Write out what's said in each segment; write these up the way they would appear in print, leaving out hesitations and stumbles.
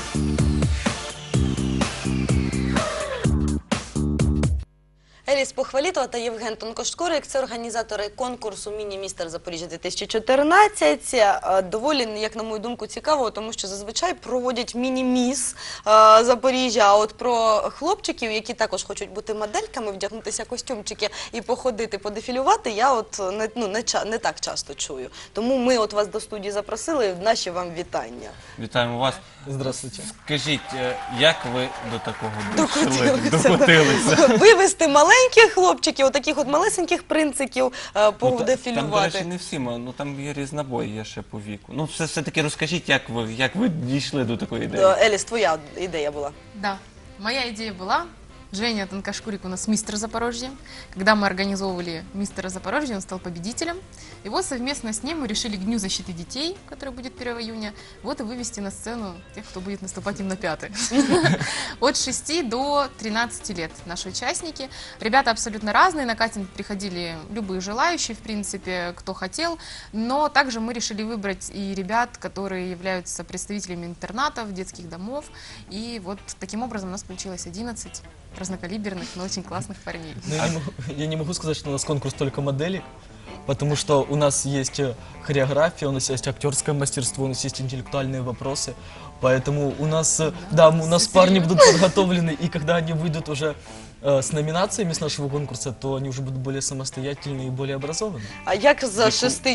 Еліс Похвалітова та Євген Тонкошкурик – це організатори конкурсу «Міні-містер Запоріжжя-2014». Доволі, як на мою думку, цікаво, тому що зазвичай проводять міні-міс Запоріжжя, а от про хлопчиків, які також хочуть бути модельками, вдягнутися в костюмчики і походити, подефілювати, я от не так часто чую. Тому ми от вас до студії запросили, наші вам вітання. Вітаємо вас. Здравствуйте. Скажіть, як ви до такого докотилися? Вивести маленьких хлопчиків, отаких от малесеньких принциків, подефілювати. Там, до речі, не всі, там є різнобой, є ще по віку. Ну, все-таки розкажіть, як ви дійшли до такої ідеї? Еліс, твоя ідея була. Да, моя идея была. Женя Тонкошкурик у нас мистер Запорожья. Когда мы организовывали мистера Запорожья, он стал победителем. И вот совместно с ним мы решили к Дню защиты детей, который будет 1 июня, вот и вывести на сцену тех, кто будет наступать им на пяты. От 6 до 13 лет наши участники. Ребята абсолютно разные, на кастинг приходили любые желающие, в принципе, кто хотел. Но также мы решили выбрать и ребят, которые являются представителями интернатов, детских домов. И вот таким образом у нас получилось 11 разнокалиберных, но очень классных парней. Я не могу сказать, что у нас конкурс только моделек, потому что у нас есть хореография, у нас есть актерское мастерство, у нас есть интеллектуальные вопросы. Поэтому у нас, у нас парни будут подготовлены, и когда они выйдут уже с номинациями с нашего конкурса, то они уже будут более самостоятельные и более образованные. А як з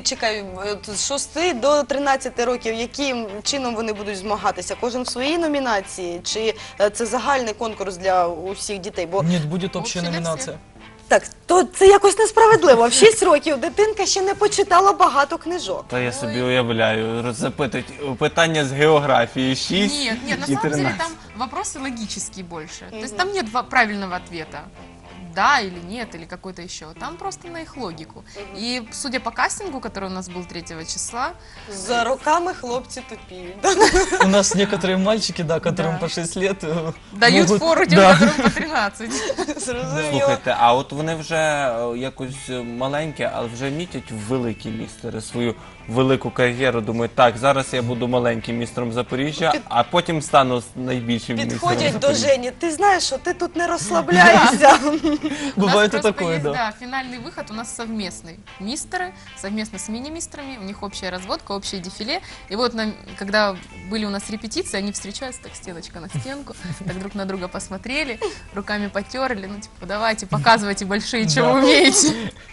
6 до 13 років, яким чином вони будуть змагатися? Кожен в своїй номінації? Чи це загальний конкурс для усіх дітей? Нет, будет общая номинация. Так, то це якось несправедливо. В 6 років дитинка ще не почитала багато книжок. Та я собі уявляю, запитують питання з географії 6 Нет, на і самом 13. деле там вопросы логические больше. То есть там нет правильного ответа. Да или нет, или какой-то еще. Там просто на их логику. И судя по кастингу, который у нас был 3 числа... З роками хлопці тупіють. У нас некоторые мальчики, которым по 6 лет Дают фору тем, которым по 13. Зрозуміло. Слухайте, а от вони вже якось маленькі, але вже мітять великі містери свою велику кар'єру. Думають, так, зараз я буду маленьким містером Запоріжжя, а потім стану найбільшим містером Підходять до Запоріжжя. Жені. Ти знаєш, що ти тут не розслабляєшся. Бывает и такое, да. Да, финальный выход у нас совместный. Мистеры, совместно с мини-мистерами, у них общая разводка, общее дефиле. И вот когда были у нас репетиции, они встречаются, так стеночка на стенку, так друг на друга посмотрели, руками потерли, ну типа, давайте, показывайте большие, что вы умеете.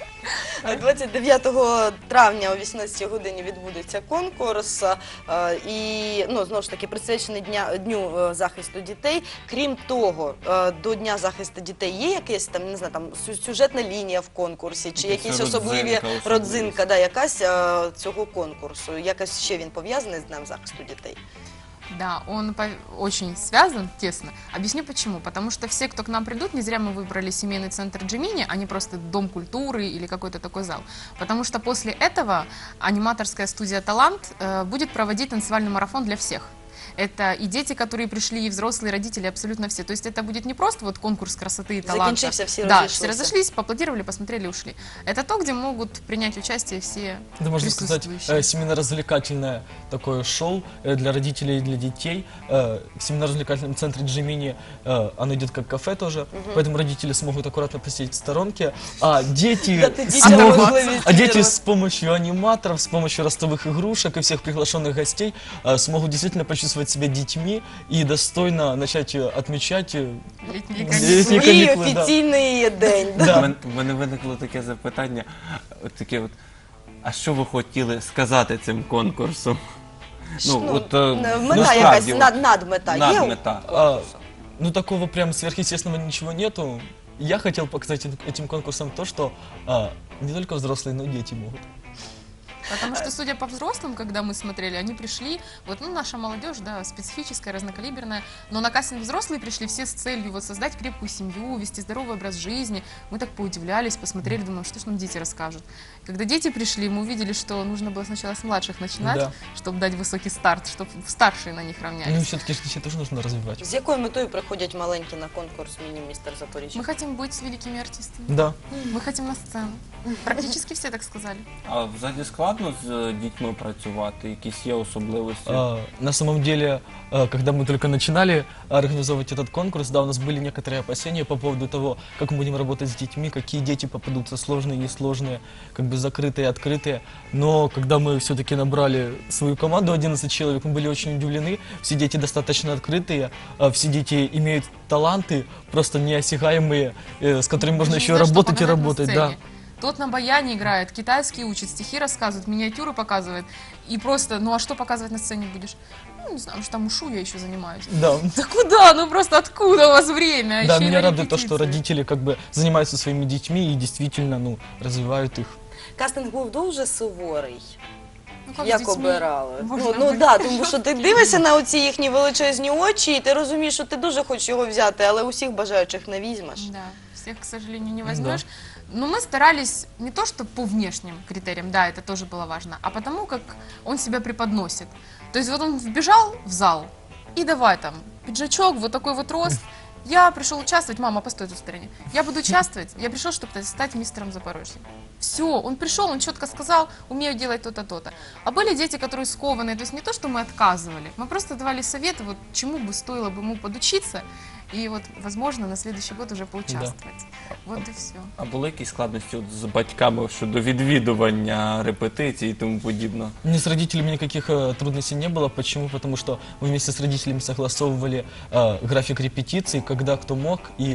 29 травня о 18 годині відбудеться конкурс і, знову ж таки, присвячений Дню захисту дітей. Крім того, до Дня захисту дітей є якась там, не знаю, там сюжетна лінія в конкурсі, чи якісь особливі родзинка, якась цього конкурсу, якось ще він пов'язаний з Днем захисту дітей? Да, он очень связан тесно. Объясню почему. Потому что все, кто к нам придут, не зря мы выбрали семейный центр Джимини, а не просто дом культуры или какой-то такой зал. Потому что после этого аниматорская студия «Талант» будет проводить танцевальный марафон для всех. Это и дети, которые пришли, и взрослые, и родители, абсолютно все. То есть это будет не просто вот конкурс красоты и таланта. Закінчився, всі Да, разошлися. все разошлись, поаплодировали, посмотрели, ушли. Это то, где могут принять участие все Это, можно сказать, присутствующие. семейно-развлекательное такое шоу для родителей и для детей. В семейно-развлекательном центре Джимини оно идет как кафе тоже, поэтому родители смогут аккуратно посидеть в сторонке, а дети с помощью аниматоров, с помощью ростовых игрушек и всех приглашенных гостей смогут действительно почувствовать себя детьми и достойно начать отмечать Летние летние Свій каникулы. Да. офіційний день. У мене виникло таке запитання, а що ви хотіли сказати цим конкурсом? Мета якась, надмета є? Надмета. Ну, такого прям сверхъестественного ничего нету. Я хотел показать этим конкурсом то, что не только взрослые, но и дети могут. Потому что, судя по взрослым, когда мы смотрели, они пришли, наша молодежь, да, специфическая, разнокалиберная, но на кастинг взрослые пришли все с целью создать крепкую семью, вести здоровый образ жизни. Мы так поудивлялись, посмотрели, думаем, что ж нам дети расскажут. Когда дети пришли, мы увидели, что нужно было сначала с младших начинать, чтобы дать высокий старт, чтобы старшие на них равнялись. Ну, все-таки детей тоже нужно развивать. З якою метою приходять маленькі на конкурс «Міні-містер Запоріжжя»? Мы хотим быть великими артистами. Да. Мы хотим на сцену. Практически все так сказали. А взагалі складно складно з дітьми працювати? Якісь є особливості? На самом деле, когда мы только начинали организовывать этот конкурс, да, у нас были некоторые опасения по поводу того, как мы будем работать с детьми, какие дети попадутся, сложные, несложные, как бы закрытые, открытые. Но когда мы все-таки набрали свою команду, 11 человек, мы были очень удивлены. Все дети достаточно открытые, все дети имеют таланты, просто неосягаемые, с которыми можно Даже еще не знаю, что работать и показать на работать. Да. сцене. Тот на баяне играет, китайский учит, стихи рассказывает, миниатюры показывает. И просто, ну а что показывать на сцене будешь? Ну, не знаю, потому что там ушу я еще занимаюсь. Да. Да куда? Ну просто откуда у вас время? Да, Еще и меня на радует то, что репетиции. родители как бы занимаются своими детьми и действительно, ну, развивают их. Кастинг був дуже суворий. Ну, как с Як детьми обирали? можно Ну быть? да, тому що ти дивишся на оці їхні величезні очі, і ти розумієш, що ти дуже хочеш його взяти, але усіх бажаючих не візьмеш. Да, всех, к сожалению, не возьмешь. Но мы старались не то, что по внешним критериям, да, это тоже было важно, а потому, как он себя преподносит. То есть вот он вбежал в зал, и давай там, пиджачок, вот такой вот рост. Я пришел участвовать, мама, постой тут в стороне. Я буду участвовать, я пришел, чтобы стать мистером Запорожья. Все, он пришел, он четко сказал, умею делать то-то, то-то. А были дети, которые скованные, то есть не то, что мы отказывали, мы просто давали советы, вот чему бы стоило бы ему подучиться, и вот, возможно, на следующий год уже поучаствовать. Вот и все. А були якісь складності от з батьками щодо відвідування репетицій і тому подібне? Ни с родителями никаких трудностей не было. Почему? Потому что мы вместе с родителями согласовывали график репетиций, когда кто мог, и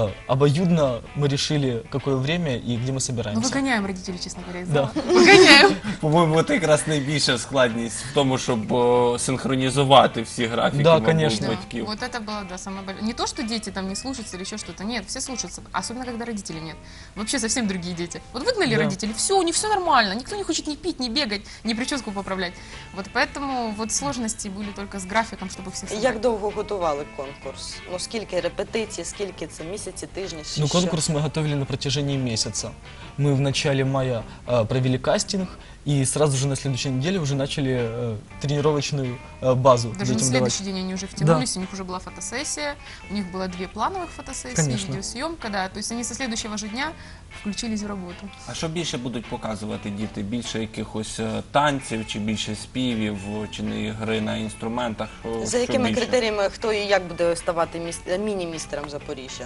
обоюдно мы решили, какое время и где мы Ну, собираемся. выгоняем родителей, честно говоря, из Да. зала. Выгоняем. По-моєму, це якраз найбільша складність в тому, щоб синхронізувати всі графіки, Да, мабуть, конечно. батьків. Вот это было, да, самое большое. Не то, что дети там не слушаются или еще что-то. Нет, все слушаются. Особенно, когда родителей нет. Вообще совсем другие дети. Вот выгнали Да. родителей, все, у них все нормально. Никто не хочет ни пить, ни бегать, ни прическу поправлять. Вот поэтому вот сложности были только с графиком, чтобы всех собрать. Як довго готували конкурс? Ну скільки репетицій, скільки це місяці, тижні? Ну, що? конкурс мы готовили на протяжении месяца. Мы в начале мая провели кастинг, и сразу же на следующей неделе уже начали тренировочную базу Даже на детям давать. следующий день они уже втянулись, у них уже была фотосессия, у них было 2 плановых фотосессии, Конечно. видеосъемка, да, то есть они со следующего же дня включились в работу. А що більше будуть показувати діти? Більше якихось танців, чи більше співів, чи не гри на інструментах? За якими критеріями хто і як буде ставати міні-містером Запоріжжя?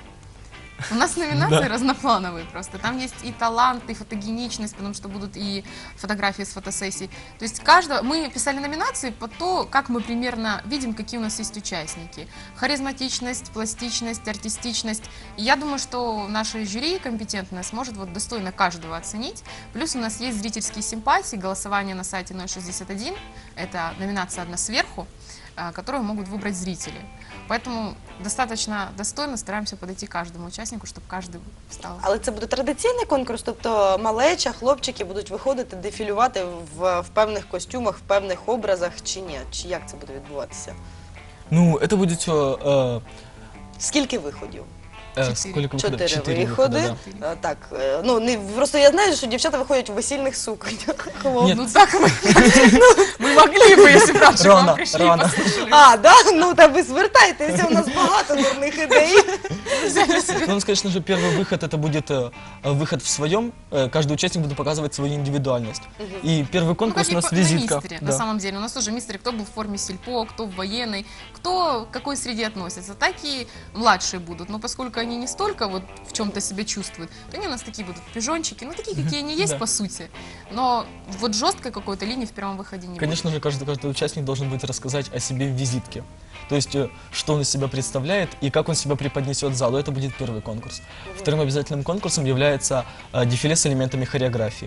У нас номинации разноплановые просто. Там есть и талант, и фотогеничность, потому что будут и фотографии с фотосессий. То есть мы писали номинации по то, как мы примерно видим, какие у нас есть участники. Харизматичность, пластичность, артистичность. И я думаю, что наше жюри компетентное сможет вот достойно каждого оценить. Плюс у нас есть зрительские симпатии, голосование на сайте 061. Это номинация «Одна сверху», которую могут выбрать зрители. Поэтому достаточно достойно стараемся подойти к каждому участнику, чтобы каждый встал. Але це буде традиційний конкурс, тобто малеча, хлопчики будуть виходити, дефілювати в певних костюмах, в певних образах, чи ні? Чи як це буде відбуватися? Ну, это будет все... Скільки виходів? Сколько выходов? 4 4 виходи. выхода, да. Так, ну не просто я знаю, що дівчата виходять у весільних сукнях. Ні. Ну так мы могли бы, если бы раньше к нам Рано, пришли и рано. послушали. А, да? Ну та ви звертайтеся, у нас багато дурних ідей. Ну, у нас, конечно же, первый выход это будет выход в своем. Каждый участник будет показывать свою индивидуальность. И первый Ну, конкурс как у и нас на визитка. мистере, на Да. самом деле. У нас тоже мистеры, кто был в форме сельпо, кто в военной, кто к какой среде относится, так и младшие будут. Но поскольку они не столько вот в чем-то себя чувствуют, то они у нас такие будут пижончики, ну такие, какие они есть Да. по сути. Но вот жесткой какой-то линии в первом выходе не будет. Конечно же, каждый участник должен будет рассказать о себе в визитке. То есть, что он из себя представляет и как он себя преподнесет залу. Это будет первый конкурс. Вторым обязательным конкурсом является дефиле с элементами хореографии.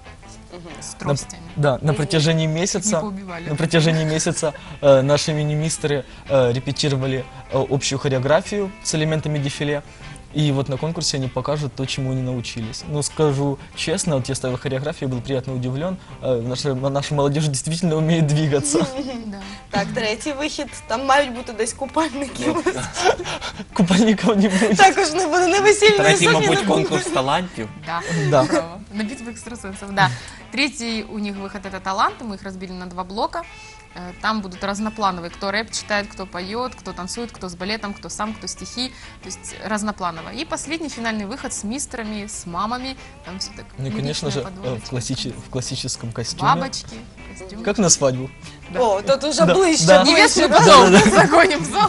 С тростями. Да, на протяжении Не месяца... поубивали. На протяжении месяца наши мини-мистеры репетировали общую хореографию с элементами дефиле. И вот на конкурсе они покажут то, чему они научились. Но скажу честно, вот я ставил хореографию, был приятно удивлен. Наша молодежь действительно умеет двигаться. Да. Так, третій вихід. Там мають бути десь купальники. Купальников не будет. Також не буде не весільної Третій, сукні. мабуть, не буде. конкурс талантів. Да, Да. браво. На битву экстрасенсов, да. Третий у них выход — это таланты, мы их разбили на 2 блока. Там будут разноплановые, кто рэп читает, кто поет, кто танцует, кто с балетом, кто сам, кто стихи, то есть разнопланово. И последний финальный выход с мистерами, с мамами, там все так Ну и, конечно лиричная же, подводочка. в классическом костюме. Бабочки, костюм. Как на свадьбу. О, тут уже Да, ближче, да. ближче, Невесту да? в дом, загоним в зал.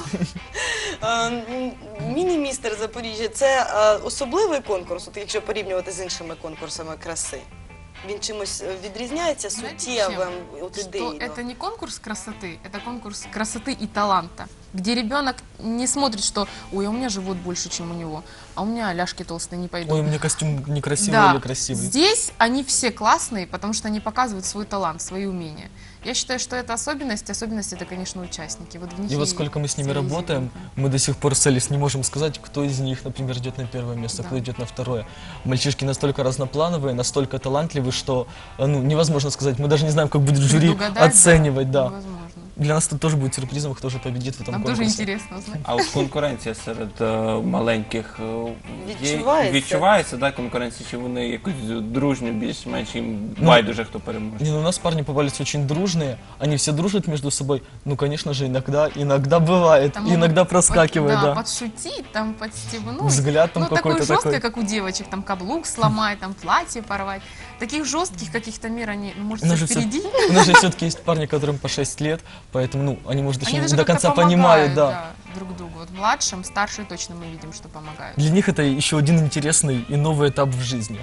Міні-містер Запоріжжя – це особливий конкурс, от якщо порівнювати з іншими конкурсами краси? Він чимось відрізняється Знаете, суттєвим, чем? от Что ідейно? это не конкурс красоты, это конкурс красоты и таланта, где ребенок не смотрит, что «ой, а у меня живот больше, чем у него, а у меня ляжки толстые, не пойдут». Ой, у меня костюм некрасивый Да, или красивый. здесь они все классные, потому что они показывают свой талант, свои умения. Я считаю, что это особенность это, конечно, участники. Вот в них И вот сколько мы с ними целый работаем, изюминка. мы до сих пор с Элис не можем сказать, кто из них, например, идет на первое место, Да. кто идет на второе. Мальчишки настолько разноплановые, настолько талантливые, что невозможно сказать. Мы даже не знаем, как будет жюри Предугадать, оценивать. Да. Невозможно. Для нас это тоже будет сюрпризом, кто же победит в этом Нам конкурсе. тоже интересно узнать. А от конкуренція серед маленьких Відчувається? відчувається, да, конкуренція, чи вони якось дружньо більш-менш їм Ну, байдуже, хто переможе? Не, ну у нас парни попались очень дружные, они все дружат между собой. Ну, конечно же, иногда бывает, Там могут иногда проскакивает, да. подшутить, там подстебнуть. Взгляд там Ну, такой какой-то жесткий, такой. как у девочек, там каблук сломать, там платье порвать. Таких жестких каких-то мер они, ну, может, У нас все же всё- впереди. У нас же все-таки есть парни, которым по 6 лет, поэтому, ну, они, может, еще Они не даже до как-то конца помогают, понимают, да. друг другу. Вот младшим, старшие точно мы видим, что помогают. Для них это еще один интересный и новый этап в жизни,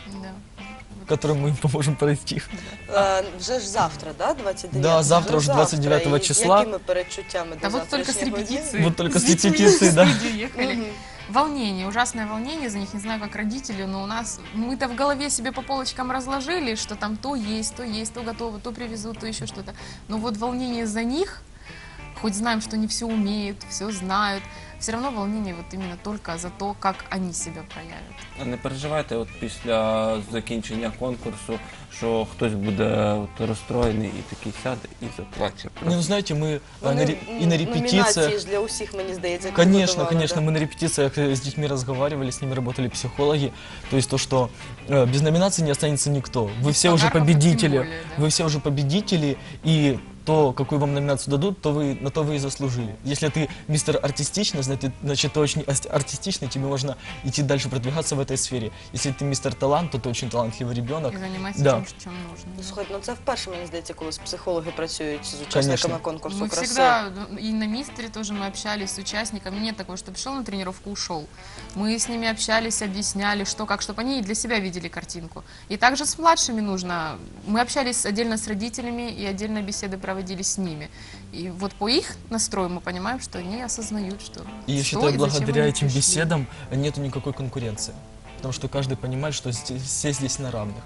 Да. который мы им поможем пройти. Вже ж завтра, да, 29? Да, завтра Вже уже 29 І числа. з якими передчуттями Да до вот только с завтрашнього дня? репетиции. Вот только с детьми репетиции, в да. студию ехали. Мгм. Волнение, ужасное волнение за них, не знаю, как родители, но у нас, мы-то в голове себе по полочкам разложили, что там то есть, то готово, то привезут, то еще что-то. Но вот волнение за них, хоть знаем, что они все умеют, все знают, все равно волнение вот именно только за то, как они себя проявят. А не переживайте от після закінчення конкурсу, що хтось буде от розстроєний і такий сяде і заплаче. Не, ну, знаете, мы Вони, и на номінації репетициях... ж для усіх, мені здається, Конечно, підготували, конечно, да? мы на репетициях с детьми разговаривали, с ними работали психологи. То есть то, что без номинации не останется никто. Вы все уже подарков тем победители, более, да. вы все уже победители, и то, какую вам номинацию дадут, на то вы и заслужили. Если ты мистер артистичный, значит ты очень артистичный, тебе можно идти дальше продвигаться в этой сфере. Если ты мистер талант, то ты очень талантливый ребенок. И заниматься Да. тем, чем нужно. Ну, слухайте, ну це вперше, мені здається, коли психологи працюють з Конечно. учасниками конкурсу Мы краси. всегда, и на мистере тоже мы общались с участниками. Нет такого, что пришел на тренировку, ушел. Мы с ними общались, объясняли, что как, чтобы они для себя видели картинку. И также с младшими нужно. Мы общались отдельно с родителями и отдельно беседы проводили с ними. И вот по их настрою мы понимаем, что они осознают, что И я что считаю, и зачем благодаря они этим пришли. беседам нету никакой конкуренции. Потому что каждый понимает, что все здесь на равных.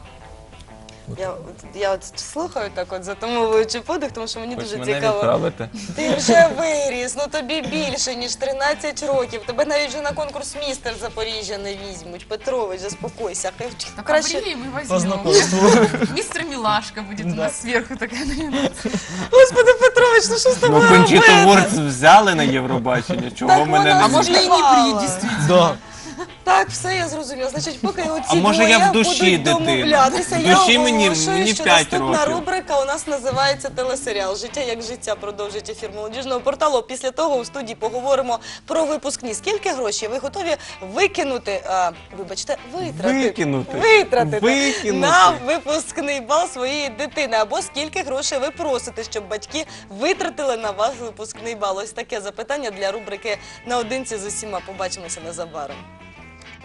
Я от слухаю так от, затумовуючи подих, тому що мені Хоч дуже мене цікаво. відправити. Ти вже виріс, ну тобі більше, ніж 13 років. Тебе навіть вже на конкурс містер Запоріжжя не візьмуть. Петрович, заспокойся. Так Краще... побрили, мы По возьмем. знакомству. Мистер Милашка будет у Да. нас сверху такая номинация. Господи, Петрович, ну що з Ну, тобою Кончіту робити? Вурц взяли на Євробачення, чого Так мене вона не А ж можно и не Співала. при, действительно. Да. Так, все, я зрозуміла. Значить, поки оці А може, я двоє в душі будуть дитина? домовлятися, В я душі мені оголошую, що 5 наступна років. рубрика у нас називається телесеріал «Життя як життя» продовжить ефір молодіжного порталу. Після того у студії поговоримо про випускні. Скільки грошей ви готові викинути, вибачте, витратити на випускний бал своєї дитини? Або скільки грошей ви просите, щоб батьки витратили на вас випускний бал? Ось таке запитання для рубрики «Наодинці з усіма». Побачимося незабаром.